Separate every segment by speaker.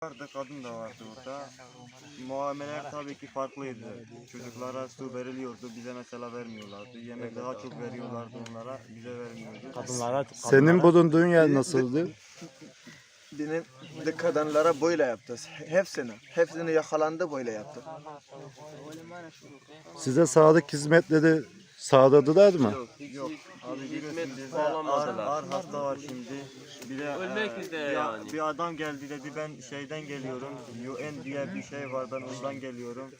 Speaker 1: Vardı, kadın da vardı orada. Muameleler tabii ki farklıydı. Çocuklara su veriliyordu, bize mesela vermiyorlardı. Yemek daha çok veriyorlardı onlara, bize vermiyordu.
Speaker 2: Senin bulunduğun yer nasıldı?
Speaker 3: Benim de kadınlara böyle yaptı. Hepsini yakalandı böyle yaptı.
Speaker 2: Size sağlık hizmetleri sağladılar mı?
Speaker 1: Yok, abi biliyorsun bizde
Speaker 4: sağlamadılar.
Speaker 1: ağır hasta var şimdi. Bir de
Speaker 4: Ölmek üzere yani.
Speaker 1: bir adam geldi dedi ben şeyden geliyorum. UN diye bir şey var, ben ondan geliyorum.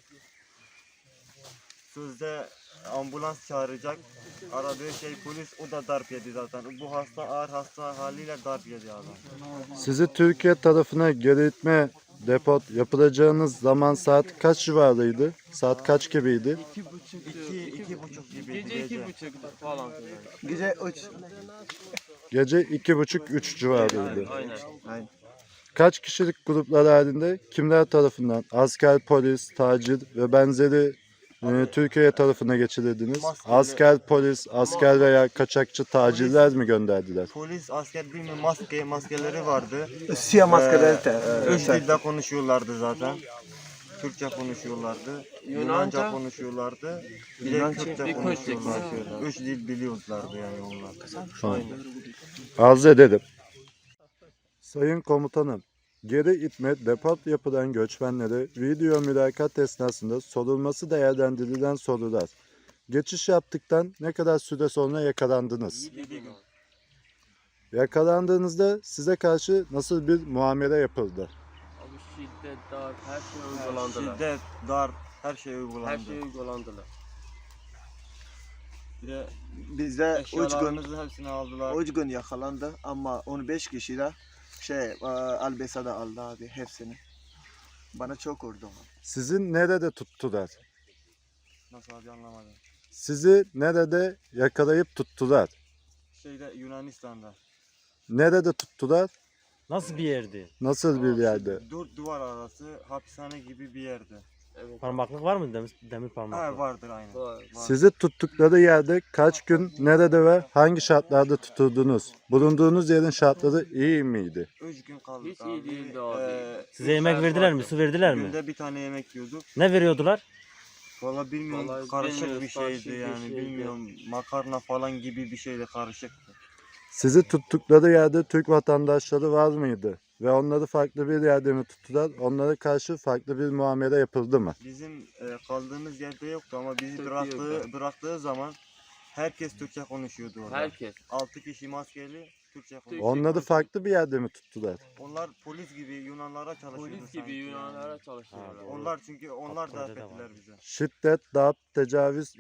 Speaker 1: Sözde ambulans çağıracak. Aradığı şey polis, o da darp yedi zaten. Bu hasta ağır hasta haliyle darp yedi adam.
Speaker 2: Sizi Türkiye tarafına geri itme depot yapılacağınız zaman saat kaç civarıydı? Saat kaç gibiydi?
Speaker 1: 2,5 gibiydi
Speaker 4: Gece
Speaker 1: gece.
Speaker 4: 2.30 falan.
Speaker 3: Gece 3.
Speaker 2: Gece 2.30-3 civarıydı.
Speaker 4: Aynen.
Speaker 2: Kaç kişilik gruplar halinde kimler tarafından asker, polis, tacir ve benzeri Türkiye tarafına geçirildiniz?
Speaker 1: Maskeli-
Speaker 2: Asker, polis, asker veya kaçakçı tacirler mi gönderdiler?
Speaker 1: Polis, asker bilmiyorum maskeleri vardı.
Speaker 3: Siyah maskeleri
Speaker 1: Üç dilde konuşuyorlardı zaten. Türkçe konuşuyorlardı, Yunanca konuşuyorlardı, bir de
Speaker 3: Yunanca,
Speaker 1: Kürtçe
Speaker 4: bir Kürtçe
Speaker 1: konuşuyorlardı. Üç dil biliyorlardı yani onlar.
Speaker 2: Arz ederim. Sayın komutanım, geri itme depot yapılan göçmenlere video mülakat esnasında sorulması değerlendirilen sorular. Geçiş yaptıktan ne kadar süre sonra yakalandınız?
Speaker 1: 7 gün.
Speaker 2: Yakalandığınızda size karşı nasıl bir muamele yapıldı?
Speaker 4: Abi şiddet, darp, her şey uygulandılar.
Speaker 1: Şiddet, darp, her şey uygulandı.
Speaker 4: Her şey uygulandılar.
Speaker 1: Bir de
Speaker 3: Bizde 3 gün
Speaker 1: eşyalarımızın hepsini aldılar.
Speaker 3: 3 gün yakalandı ama 15 kişi de Albesa'da aldı abi hepsini. Bana çok vurdu.
Speaker 2: Sizi nerede tuttular?
Speaker 1: Nasıl abi anlamadım.
Speaker 2: Sizi nerede yakalayıp tuttular?
Speaker 1: Yunanistan'da.
Speaker 2: Nerede tuttular?
Speaker 5: Nasıl bir yerdi?
Speaker 2: Nasıl bir yerde?
Speaker 1: Dört duvar arası hapishane gibi bir yerde.
Speaker 4: Evet.
Speaker 5: Parmaklık var mı? Demir parmaklık.
Speaker 1: Ha, vardır aynen.
Speaker 4: Var.
Speaker 2: Sizi tuttukları yerde kaç gün, nerede ve hangi şartlarda tutuldunuz? Bulunduğunuz yerin şartları iyi miydi?
Speaker 1: 3 gün kaldık
Speaker 4: Hiç
Speaker 1: abi.
Speaker 4: iyi değildi abi.
Speaker 5: Size yemek
Speaker 1: işler
Speaker 5: verdiler mi?
Speaker 1: vardı.
Speaker 5: Su verdiler mi?
Speaker 1: Günde bir tane yemek yiyorduk.
Speaker 5: Ne veriyordular?
Speaker 1: Valla bilmiyorum,
Speaker 4: Vallahi
Speaker 1: karışık
Speaker 4: bilmiyoruz,
Speaker 1: bir şeydi
Speaker 4: karışık bir
Speaker 1: yani,
Speaker 4: şeydi.
Speaker 1: bilmiyorum, makarna falan gibi bir şeydi, karışıktı.
Speaker 2: Sizi tuttukları yerde Türk vatandaşları var mıydı? Ve onları farklı bir yerde mi tuttular? Onlara karşı farklı bir muamele yapıldı mı?
Speaker 1: Bizim kaldığımız yerde yoktu ama bizi
Speaker 4: Türkiye
Speaker 1: bıraktığı zaman herkes Türkçe konuşuyordu orada.
Speaker 4: Herkes.
Speaker 1: 6 kişi maskeli Türkçe konuşuyordu.
Speaker 2: Onları farklı bir yerde mi tuttular?
Speaker 1: Onlar polis gibi Yunanlara çalışıyordu
Speaker 4: Polis gibi
Speaker 1: sanki
Speaker 4: Yunanlara
Speaker 1: yani.
Speaker 4: çalışıyorlar.
Speaker 1: Onlar da
Speaker 5: Kontrolde de
Speaker 1: affettiler
Speaker 5: var.
Speaker 1: bize.
Speaker 2: Şiddet, darp, tecavüz,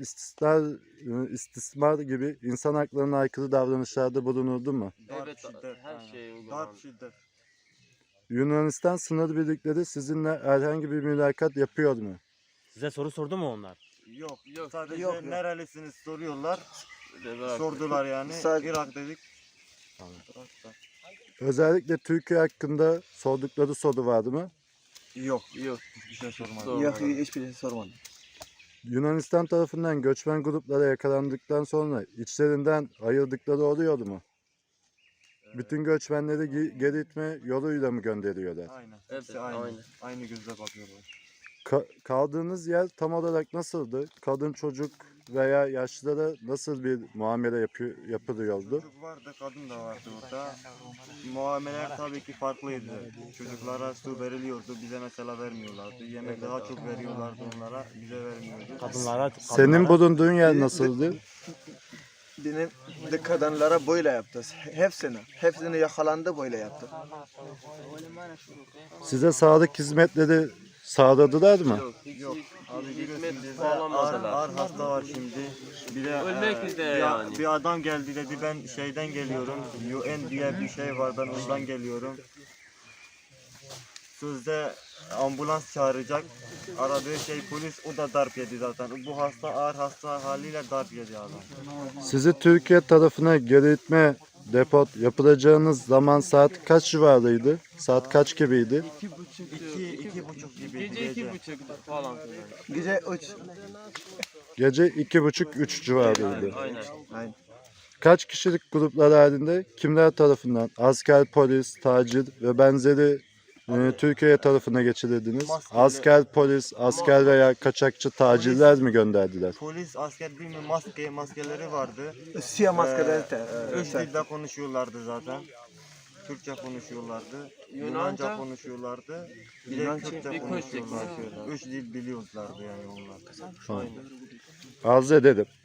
Speaker 2: istismar gibi insan haklarına aykırı davranışlarda bulunuldu mu?
Speaker 1: Darp,
Speaker 4: Evet,
Speaker 1: şiddet,
Speaker 4: her
Speaker 1: aynen.
Speaker 4: şey
Speaker 1: Darp,
Speaker 4: uygulandı.
Speaker 1: şiddet.
Speaker 2: Yunanistan sınır birlikleri sizinle herhangi bir mülakat yapıyor mu?
Speaker 5: Size soru sordu mu onlar?
Speaker 1: Yok,
Speaker 4: Yok,
Speaker 1: sadece
Speaker 3: yok.
Speaker 1: nerelisiniz soruyorlar.
Speaker 4: Dediler.
Speaker 1: Sordular yani.
Speaker 3: Sadece-
Speaker 1: Irak dedik.
Speaker 5: Tamam.
Speaker 1: Irak'ta.
Speaker 2: Özellikle Türkiye hakkında sordukları soru vardı mı?
Speaker 1: Yok,
Speaker 4: Yok.
Speaker 1: hiçbir şey sormadım.
Speaker 4: Sormadım.
Speaker 3: Yok hiçbir şey sormadım.
Speaker 2: Yunanistan tarafından göçmen gruplara yakalandıktan sonra içlerinden ayırdıkları oluyordu mu? Bütün göçmenleri geri itme yoluyla mı gönderiyorlar?
Speaker 1: Aynen.
Speaker 4: Evet,
Speaker 1: Hepsi aynı.
Speaker 4: aynen.
Speaker 1: Aynı gözle bakıyorlar.
Speaker 2: Kaldığınız yer tam olarak nasıldı? Kadın, çocuk veya yaşlılara nasıl bir muamele yapılıyordu?
Speaker 1: Çocuk vardı, kadın da vardı orada. Muameleler tabii ki farklıydı. Çocuklara su veriliyordu, bize mesela vermiyorlardı. Yemek daha çok veriyorlardı onlara, bize vermiyordu.
Speaker 2: Senin bulunduğun yer nasıldı?
Speaker 3: Benim de kadınlara böyle yaptı. Hepsini yakalandı böyle yaptı.
Speaker 2: Size sağlık hizmetleri sağladılar mı?
Speaker 4: Yok. Hiç
Speaker 1: Yok, abi biliyorsun
Speaker 4: hizmet
Speaker 1: bizde
Speaker 4: sağlamadılar.
Speaker 1: ağır hasta var şimdi. Bir de
Speaker 4: Ölmek üzere yani.
Speaker 1: bir adam geldi dedi ben şeyden geliyorum. UN diye bir şey var, ben ondan geliyorum. Sözde ambulans çağıracak. Aradığı şey polis, o da darp yedi zaten. Bu hasta ağır hasta haliyle darp yedi adam.
Speaker 2: Sizi Türkiye tarafına geri itme depot yapılacağınız zaman saat kaç civarıydı? Saat kaç gibiydi?
Speaker 1: 2,5 gibiydi
Speaker 4: Gece
Speaker 1: gece.
Speaker 4: 2.30 falan.
Speaker 3: Gece 3.
Speaker 2: Gece 2.30-3 civarıydı.
Speaker 4: Aynen.
Speaker 2: Kaç kişilik gruplar halinde kimler tarafından asker, polis, tacir ve benzeri Türkiye tarafına geçirildiniz.
Speaker 1: Maskeli-
Speaker 2: Asker, polis, asker veya kaçakçı tacirler mi gönderdiler?
Speaker 1: Polis, asker bilmiyorum maskeleri vardı.
Speaker 3: Siyah maskeleri
Speaker 1: Üç dilde konuşuyorlardı zaten. Türkçe konuşuyorlardı, Yunanca konuşuyorlardı, bir de
Speaker 3: Yunanca,
Speaker 1: Kürtçe
Speaker 4: bir Kürtçe
Speaker 1: konuşuyorlardı.
Speaker 4: konuşuyorlar.
Speaker 1: 3 dil biliyorlardı yani onlar.
Speaker 2: Arz ederim.